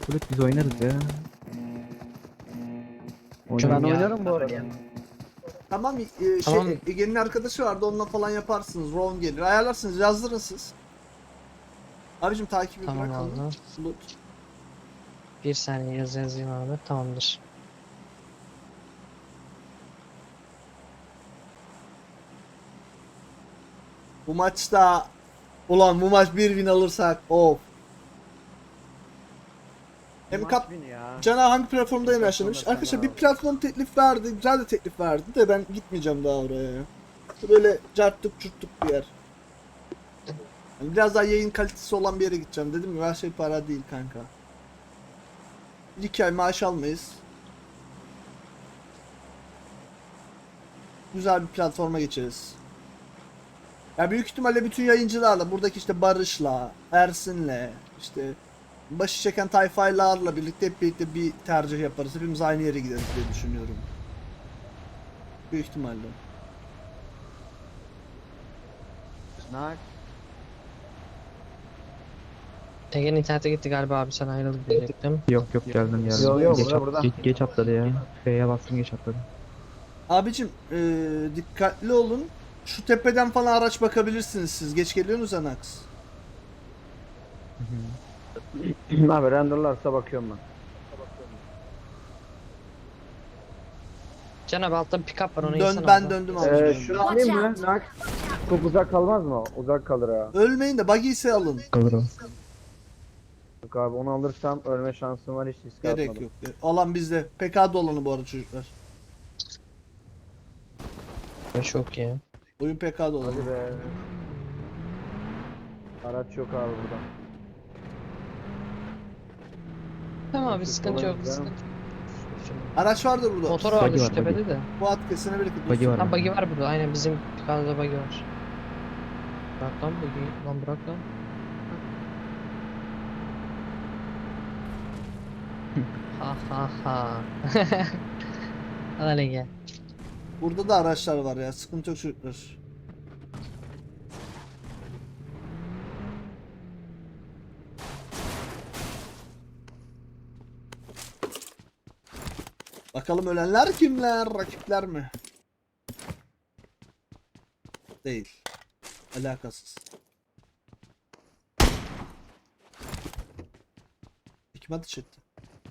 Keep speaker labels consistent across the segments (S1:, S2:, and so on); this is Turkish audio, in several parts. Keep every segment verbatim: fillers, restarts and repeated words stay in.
S1: Bulut biz oynarız ya.
S2: Ben
S1: Oynarız.
S3: ya.
S2: oynarım bu arada.
S4: Tamam, e, şey
S3: Tamam.
S4: Ege'nin arkadaşı vardı, onunla falan yaparsınız. Ron gelir. Ayarlarsınız, yazdırın siz. Abicim takibi
S3: Tamam
S4: bırakalım.
S3: abi.
S4: Bulut.
S3: Bir saniye yaz yazayım abi. Tamamdır.
S4: Bu maçta ulan bu maç bir win alırsak of. Hem kap
S2: ya.
S4: Cana hangi platformda
S2: Platformda
S4: yaşamış?
S2: sen
S4: Arkadaşlar bir
S2: abi.
S4: platform teklif verdi. Güzel de teklif verdi de ben gitmeyeceğim daha oraya ya. Böyle carttık çurttuk bir yer. Yani biraz daha yayın kalitesi olan bir yere gideceğim. Dedim ya, her şey para değil kanka. Bir iki ay maaş almayız. Güzel bir platforma geçeriz. Ya büyük ihtimalle bütün yayıncılarla, buradaki işte Barış'la, Ersin'le, işte başı çeken tayfaylarla birlikte hep birlikte bir tercih yaparız. Hepimiz aynı yere gideriz diye düşünüyorum. Büyük ihtimalle.
S2: Nak.
S3: Ege'nin internete gitti galiba abi, sen ayrılık diyecektim.
S1: Yok yok geldim geldim.
S2: Yok, yok,
S1: geç,
S2: burada,
S1: at-
S2: burada.
S1: Geç, geç atladı ya. F'ye bastım geç atladı.
S4: Abicim eee, dikkatli olun. Şu tepeden falan araç bakabilirsiniz siz. Geç geliyorsunuz Anax.
S2: Abi renderlarsa bakıyorum ben.
S3: Can abi altta bir pick-up var, onu
S4: Dön,
S3: yesene
S4: ben
S3: abi.
S4: döndüm
S2: Ee,
S4: abicim.
S2: şunu alayım mı? Nak. Çok uzak kalmaz mı? Uzak kalır ha.
S4: Ölmeyin de buggy ise alın.
S1: Kalır o.
S2: Yok abi onu alırsam ölme şansım var, hiç risk
S4: Gerek
S2: atmadım.
S4: yok. Alan bizde. P K dolanı bu arada çocuklar.
S3: Çok iyi.
S4: Oyun P K dolanı.
S2: Hadi be. Araç yok abi burada.
S3: Tamam abi,
S2: Neyse,
S3: sıkıntı yok.
S2: kolay
S3: Sıkıntı
S2: gelsin.
S3: yok.
S4: Araç vardır burada.
S3: Motor vardı
S1: Buggy
S3: şu
S1: var, buggy.
S3: tepede de.
S4: Bu at kesene bereket
S1: Buggy
S4: olsun.
S1: var.
S3: Ha, buggy var burada, aynen bizim pick-up'da buggy var. Bırak lan buggy, lan bırak lan. Ha ha ha. Hadi Ege.
S4: Burada da araçlar var ya. Sıkıntı yok çocuklar. Bakalım ölenler kimler? Rakipler mi? Değil. Alakasız. Kim ateş etti?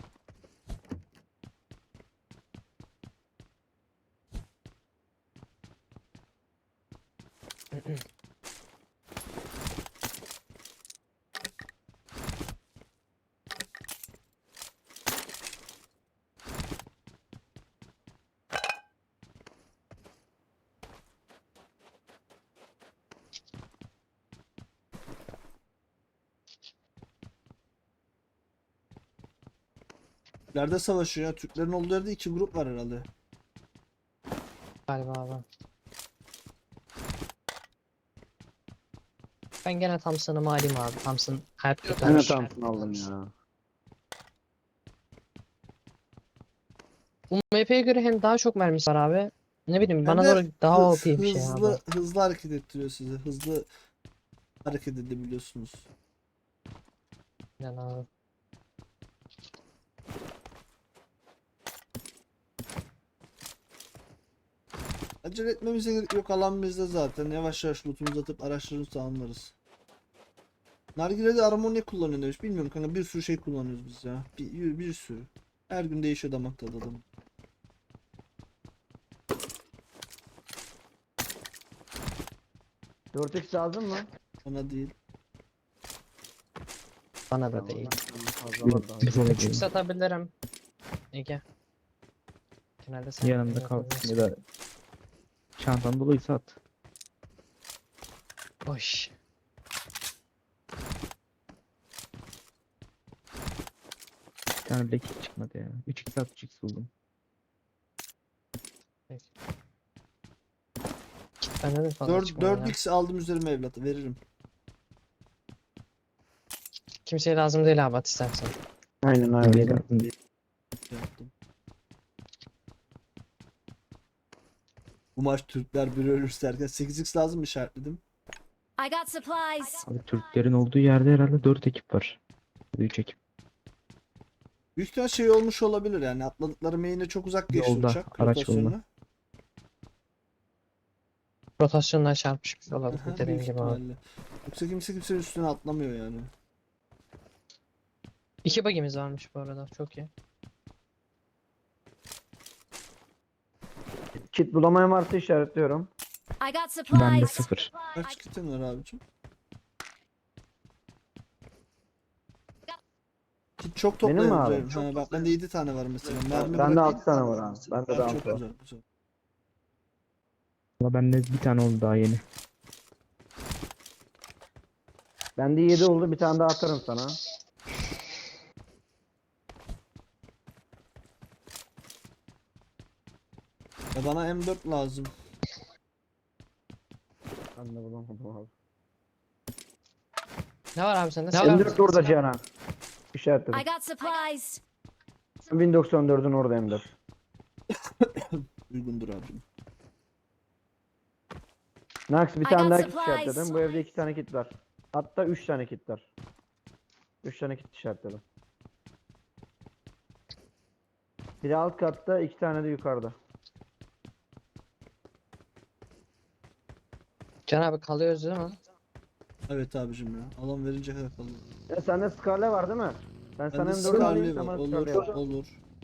S4: Nerede savaşıyor ya? Türklerin olduğu yerde iki grup var herhalde.
S3: Galiba abi. Ben gene Thompson'ımı alayım abi. Thompson hayat
S2: Ben de
S3: kurtarır.
S2: Thompson aldım ya.
S3: Bu M P'ye göre hem daha çok mermisi var abi. Ne bileyim, bana
S4: Hem de
S3: göre daha
S4: hız-
S3: O P bir şey
S4: hızlı,
S3: abi.
S4: hızlı hareket ettiriyor sizi. Hızlı hareket edebiliyorsunuz.
S3: Yani abi.
S4: Acele etmemize gerek yok, alan bizde zaten. Yavaş yavaş lootumuzu atıp araçlarımızı tamamlarız. Nargile'de arama ne kullanıyor demiş. Bilmiyorum kanka, bir sürü şey kullanıyoruz biz ya. Bir, bir sürü. Her gün değişiyor damak tadı adam.
S2: dört x lazım mı?
S4: Bana değil.
S3: Bana da değil.
S2: Fazla
S1: Biz ona
S3: Küçük
S1: gelin.
S3: satabilirim. Ege. Genelde sen
S1: Yanımda kal. Ya da çantan doluysa at.
S3: Boş.
S1: Bir tane bile kick çıkmadı ya. üç x at üç x buldum.
S3: Bende de fazla
S4: dört,
S3: çıkmıyor ya.
S4: dört x aldım üzerime evlatı, veririm.
S3: Kimseye lazım değil abi, at istersen.
S2: Aynen
S1: Öyle
S2: öyle.
S1: lazım değil.
S4: Yaptım. Bu maç Türkler biri ölürse derken sekiz x lazım mı, işaretledim.
S5: I got supplies.
S1: Abi Türklerin olduğu yerde herhalde dört ekip var. üç ekip.
S4: Büyük ihtimal şey olmuş olabilir yani atladıkları main'e çok uzak geçti
S1: Yolda,
S4: uçak.
S1: araç
S4: rotasyonuna.
S1: yolda.
S3: Rotasyondan çarpışmış
S4: Aha,
S3: olabilir
S4: büyük
S3: dediğim gibi abi.
S4: ihtimalle. Yoksa kimse kimsenin üstüne atlamıyor yani.
S3: İki bagimiz varmış bu arada. Çok iyi.
S2: Kit bulamayan varsa işaretliyorum.
S5: I got supplies.
S1: Bende sıfır.
S4: Kaç kitin var abicim? Kit çok
S2: Benim mi
S4: toplayabilirim.
S2: abi?
S4: Ha, bak bende yedi tane var mesela. Mermi
S2: Bende
S4: bırakayım.
S2: altı tane var abi. Bende de
S4: Ha, çok
S2: altı var.
S4: güzel, güzel.
S1: Valla bende bir tane oldu daha yeni.
S2: Bende yedi oldu. Bir tane daha atarım sana.
S4: Ya bana M dört lazım.
S2: Ben de bulamadım abi.
S3: Ne var abi sende?
S2: M dört orada Cihan. İşaretledim.
S5: I got supplies.
S2: bin doksan dördün orada M dört.
S4: Uygundur abicim.
S2: Nax bir
S5: I
S2: tane
S5: got
S2: daha kit
S5: supplies.
S2: işaretledim. Bu evde iki tane kit var. Hatta üç tane kit var. Üç tane kit işaretledim. Biri alt katta, iki tane de yukarıda.
S3: Can abi kalıyoruz değil mi?
S4: Evet abicim ya. Alan verince kadar kalıyor.
S2: Ya sende Scarlet var değil mi? Ben sana
S4: Bende
S2: M dört alayım,
S4: Scarlet var.
S2: sana
S4: Olur,
S2: Scarlet var.
S4: olur.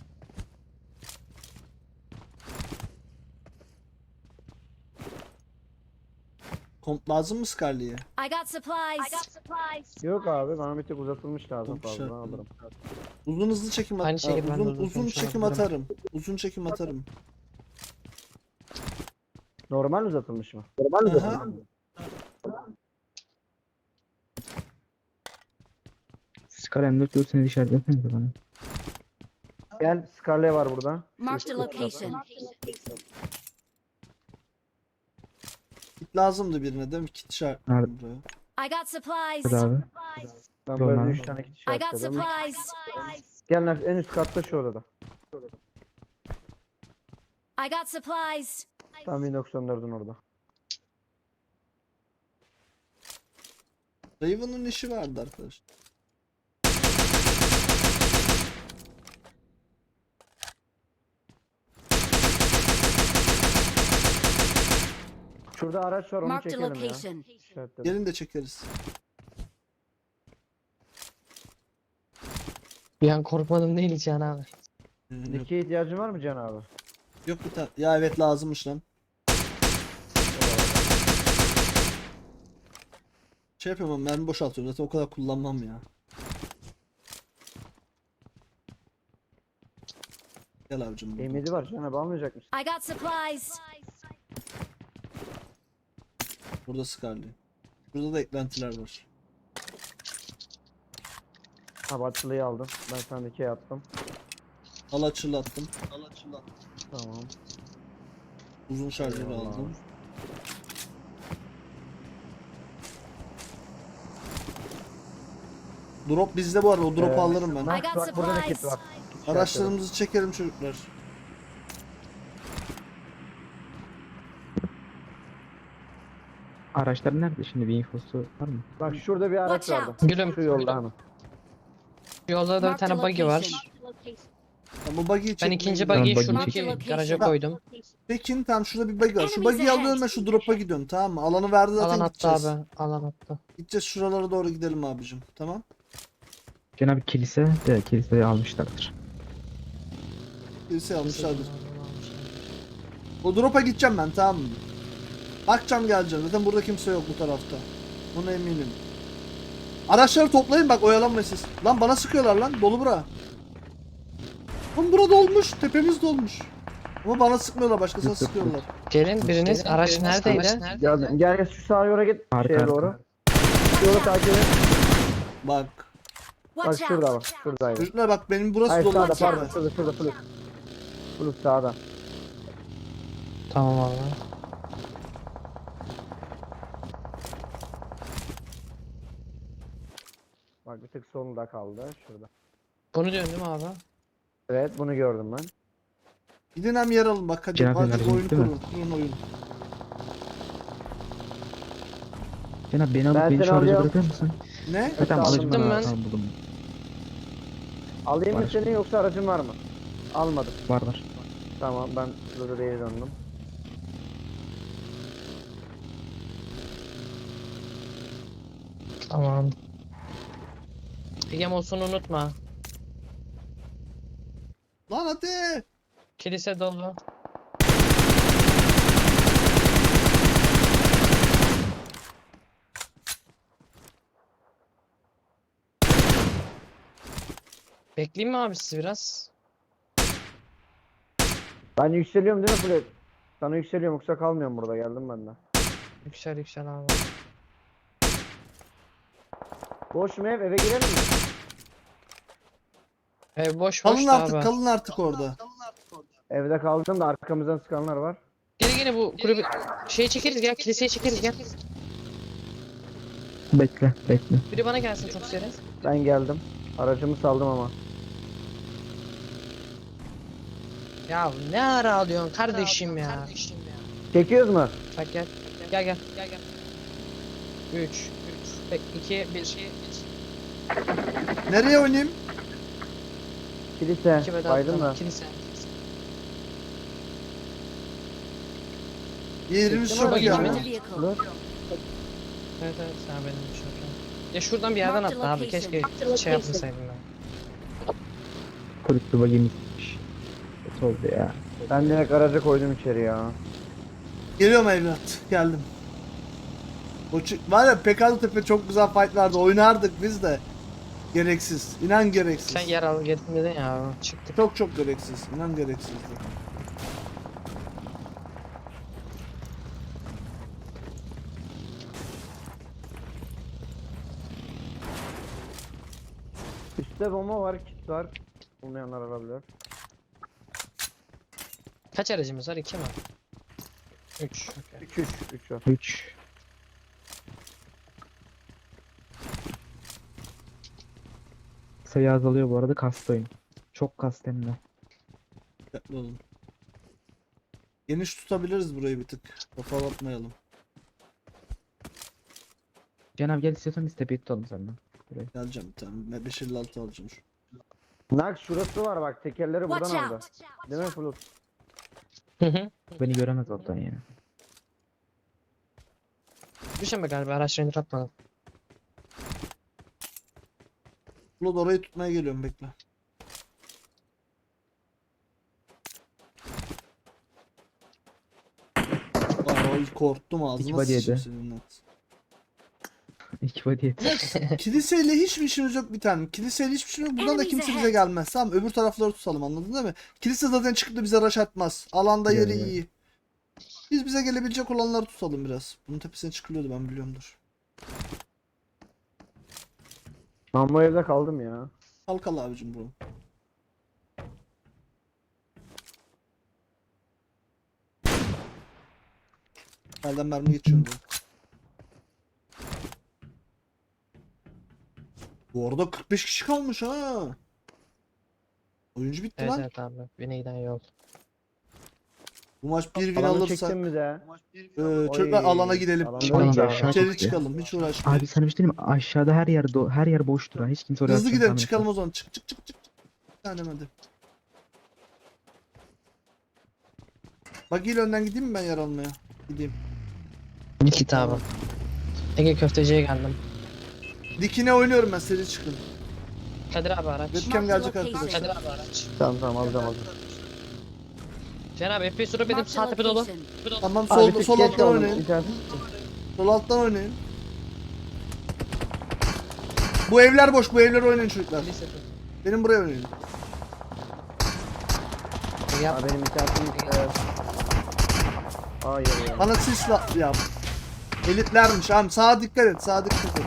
S4: Komp lazım mı Scarlet'e?
S5: I got supplies. I got supplies.
S2: Yok abi, bana bir tek uzatılmış lazım
S4: Komp
S2: fazla.
S4: işaretledim.
S2: Alırım.
S4: Uzun hızlı çekim at
S3: Aynı şekilde ben de
S4: uzun,
S3: uzun
S4: uzun
S3: konuşuyorum,
S4: çekim
S3: bilirim.
S4: atarım. Uzun çekim atarım.
S2: Normal uzatılmış mı?
S4: Aha.
S1: Scar M dört görseniz işaretlesenize bana.
S2: Gel, Scarlet var burada.
S5: Marked a location.
S4: Kit lazımdı birine değil mi? Kit şart.
S1: Nerede?
S4: buraya.
S5: I got supplies.
S1: Hadi abi.
S2: Ben
S1: Normal.
S2: böyle üç tane kit
S5: I got
S2: işaretledim.
S5: supplies.
S2: Gel Nax, en üst katta şu odada.
S5: I got supplies.
S2: Tam bin doksan dördün orada.
S4: Raven'ın işi vardı arkadaşlar.
S2: Şurada araç var, onu
S5: Marked a
S2: çekelim ya.
S5: location.
S2: İşaretledim.
S4: Gelin de çekeriz.
S3: Bir an korkmadım değil Can abi.
S4: Ee, Yok,
S2: Dikiye ihtiyacın var mı Can abi?
S4: yok bir tane. Ya evet lazımmış lan. Şey yapamam, mermi boşaltıyorum zaten o kadar kullanmam ya. Gel abicim. buradan.
S2: M yedi var Can abi, almayacak mısın?
S5: I got supplies.
S4: Burada Scarlet. Burada da eklentiler var.
S2: Ha, Batçılı'yı aldım. Ben sana dikiye attım.
S4: Al açılı attım. Al açılı attım.
S2: Tamam.
S4: Uzun şarjörü
S2: Eyvallah.
S4: aldım. Drop bizde bu arada. O drop'u
S2: Ee,
S4: alırım ben.
S5: I
S2: Nax
S5: got
S2: bak, burada da
S5: supplies.
S2: kit var. Kit işaretledim.
S4: Araçlarımızı çekelim çocuklar.
S1: Araçlar nerede şimdi, bir infosu var mı?
S2: Bak şurada bir araç
S5: Watch
S2: vardı.
S5: out.
S3: Gülüm.
S2: Şu yolda hemen.
S3: Yolda da bir
S5: Marked a
S3: tane buggy var.
S5: location.
S4: Ya bu buggy'yi
S3: Ben
S4: çekmeye
S3: ikinci
S4: gidiyorum.
S3: buggy'yi
S1: buggy
S3: şuradaki
S5: çekeyim.
S3: garaja
S5: Bak.
S3: koydum.
S4: Pekin tamam şurada bir buggy var. Şu
S5: Enemies
S4: buggy'yi
S5: ahead.
S4: alıyorum ben şu drop'a gidiyorum tamam mı? Alanı verdi zaten
S3: Alan attı
S4: gideceğiz.
S3: abi. Alan attı.
S4: Gideceğiz şuralara doğru gidelim abicim. Tamam.
S1: Cenab-ı kilise de kiliseyi almışlardır.
S4: Birisi almışlardır. O drop'a gideceğim ben tamam mı? Bakacağım geleceğim. Zaten burada kimse yok bu tarafta. Buna eminim. Araçları toplayın bak oyalanmayın siz. Lan bana sıkıyorlar lan. Dolu bura. Lan bura dolmuş. Tepemiz dolmuş. Ama bana sıkmıyorlar. Başkasına
S1: Yok, yok, yok.
S4: sıkıyorlar.
S3: Gelin biriniz araç neredeydi?
S2: Geldim. Gel gel şu sağa yola git.
S1: Arka,
S2: Şeye
S1: arka.
S2: doğru. Şu yolu takip et.
S4: Bak.
S2: Bak
S5: Watch
S2: şurada
S5: out.
S2: bak. Şuradaydı.
S4: Çocuklar bak benim burası
S2: Hayır
S4: dolu.
S2: sağda
S5: Watch
S2: pardon.
S5: out.
S2: Şurada şurada Flux. Flux sağda.
S3: Tamam abi.
S2: Bak bir tık solunda kaldı. Şurada.
S3: Bunu diyorsun değil mi abi?
S2: Evet bunu gördüm ben.
S4: Gidin hem yer alın bak hadi.
S1: Cenab-ı
S4: Hadi
S1: Enerji
S4: oyunu
S1: değil mi?
S4: kurun. Kurun oyunu.
S1: Cenab beni alıp
S2: Ben
S1: beni
S2: seni
S1: şu araca
S2: alıyorum.
S1: bırakır mısın?
S4: Ne?
S1: Ha, tamam
S2: aldım
S1: alacağım
S3: ben.
S1: ben. Tamam buldum.
S2: Alayım mı
S1: Var.
S2: seni yoksa aracın var mı? Almadım.
S1: Var var.
S2: Tamam ben burada değil döndüm.
S3: Tamam. Egem olsun unutma.
S4: Lan hadi.
S3: Kilise dolu. Bekleyeyim mi abi sizi biraz?
S2: Ben yükseliyorum değil mi Fred? Sana yükseliyorum yoksa kalmıyorum burada, geldim ben de.
S3: Yüksel yüksel abi.
S2: Boş mu ev, eve girelim mi?
S3: Ev boş boş
S4: Kalın
S3: da
S4: artık
S3: abi.
S4: kalın artık orada.
S2: Evde kaldım da arkamızdan sıkanlar var.
S3: Gene gene bu kulübü şey çekeriz gel kiliseye çekeriz gel.
S1: Bekle bekle.
S3: Biri bana gelsin çok seri.
S2: Ben geldim. Aracımı saldım ama.
S3: Ya ne ara alıyorsun kardeşim ya.
S2: Çekiyoruz mu?
S3: Bak gel. Gel gel. Gel gel. üç iki bir
S4: Nereye oynayayım?
S2: Kilise.
S3: iki beden
S2: Baydın da.
S3: kilise.
S4: Yerimiz
S2: Çektim
S4: çok
S2: aracı
S4: iyi
S2: ya.
S4: ama.
S5: Marked a vehicle.
S2: Dur.
S3: Evet evet sen benim için. Ya şuradan bir yerden
S5: Marked
S3: atla abi
S5: location.
S3: keşke şey yapmasaydım ben.
S1: Kulüplü bagimiz gitmiş. Kötü oldu ya.
S2: Ben direkt araca koydum içeri ya.
S4: Geliyorum evlat. Geldim. O çı- var ya Pekalı Tepe çok güzel fight vardı. Oynardık biz de. Gereksiz. İnan gereksiz.
S3: Sen yer al gittin dedin ya çıktık.
S4: Çok çok gereksiz. İnan gereksizdi.
S2: Üstte bomba var, kit var. Bulmayanlar alabilir.
S3: Kaç aracımız var? iki mi? üç.
S2: üç üç üç var.
S1: üç. Sayı azalıyor bu arada, kastı oyun. Çok kast hem de.
S4: Dikkatli olun. Geniş tutabiliriz burayı bir tık. Kafa atmayalım.
S1: Cenab gel, istiyorsan biz tepeyi tutalım senden.
S4: Geleceğim bir tane. beş elli altı alacağım şu.
S2: Nak şurası var bak, tekerleri
S5: Watch
S2: buradan aldı.
S5: out.
S2: Değil mi Flut?
S3: Hı hı.
S1: Beni göremez oradan yani.
S3: Düşeme galiba araçlarını atmadım.
S4: Bulut orayı tutmaya geliyorum bekle. Aa, korktum ağzıma
S1: body yedi.
S4: sıçayım senin net.
S1: İki body et.
S4: Kiliseyle hiçbir işimiz yok bir tane. Kiliseyle hiçbir şey yok. Buradan da
S5: Enemies
S4: kimse bize
S5: ahead.
S4: gelmez. Tamam öbür tarafları tutalım, anladın değil mi? Kilise zaten çıkıp da bize rush atmaz. Alanda yeri
S1: Evet.
S4: iyi. Biz bize gelebilecek olanları tutalım biraz. Bunun tepesine çıkılıyordu, ben biliyorumdur.
S2: Ben bu evde kaldım ya.
S4: Kalkal abicim bu. Elden mermi geçiyor diyor. Bu arada kırk beş kişi kalmış ha. Oyuncu bitti
S3: Evet
S4: lan.
S3: evet abi. Bine giden yol.
S4: Bu maç bir win
S2: Alanı
S4: alırsak
S2: çektim mi de?
S4: e, çocuklar
S2: Oy,
S4: alana gidelim.
S2: alanda
S1: Çıkalım
S2: iyi
S1: da
S2: ya.
S1: aşağı
S4: İçeri
S1: gitti.
S4: çıkalım, hiç uğraşmayalım.
S1: Abi sana bir şey diyeyim mi? Aşağıda her yer do her yer boştur ha. Hiç kimse oraya
S4: Hızlı
S1: atacağını
S4: gidelim,
S1: tahmin
S4: çıkalım
S1: etmez.
S4: o zaman. Çık çık çık çık. Bir tanem hadi. Bak il önden gideyim mi ben yer almaya? Gideyim.
S3: Git abi. Ege köfteciye geldim.
S4: Dikine oynuyorum ben, seri çıkın.
S3: Kadir abi araç.
S4: Webcam gelecek
S5: Marked
S4: arkadaşlar.
S3: Kadir abi araç.
S2: Tamam tamam alacağım alacağım.
S3: Cenab F P S drop edip
S5: Marked
S3: sağ
S5: a
S3: tepe dolu.
S5: location.
S4: Tamam
S2: Abi
S4: sol,
S2: bir tık
S4: sol
S2: geç
S4: alttan
S2: kaldım,
S4: oynayın.
S2: internet.
S4: Sol alttan oynayın. Bu evler boş, bu evler oynayın çocuklar.
S3: Kilise tut.
S4: Benim buraya oynayın.
S3: Ege yap.
S2: Aa, benim internetim gitti. Hayır ya.
S4: Bana sisla yap. Elitlermiş abi, sağa dikkat et, sağa dikkat et.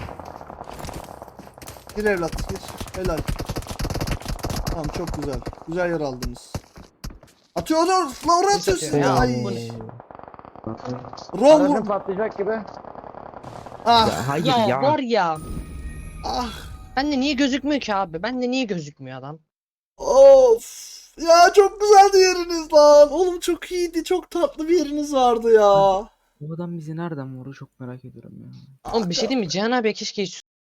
S4: Gir evlat, gir. Helal. Tamam çok güzel. Güzel yer aldınız. Atıyorlar, la oraya
S3: Biz
S4: atıyorsun.
S3: atıyor ya,
S4: Ay.
S3: bu ne?
S4: Rom
S2: Aracım
S4: vur.
S2: patlayacak gibi.
S4: Ah,
S1: Ya hayır
S3: Ya,
S1: ya.
S3: var ya.
S4: ah.
S3: Bende niye gözükmüyor ki abi? Bende niye gözükmüyor adam?
S4: Of. Ya çok güzeldi yeriniz lan. Oğlum çok iyiydi, çok tatlı bir yeriniz vardı ya.
S1: Bu adam bizi nereden vurur çok merak ediyorum ya.
S3: Oğlum bir şey diyeyim mi? Cihan abi keşke hiç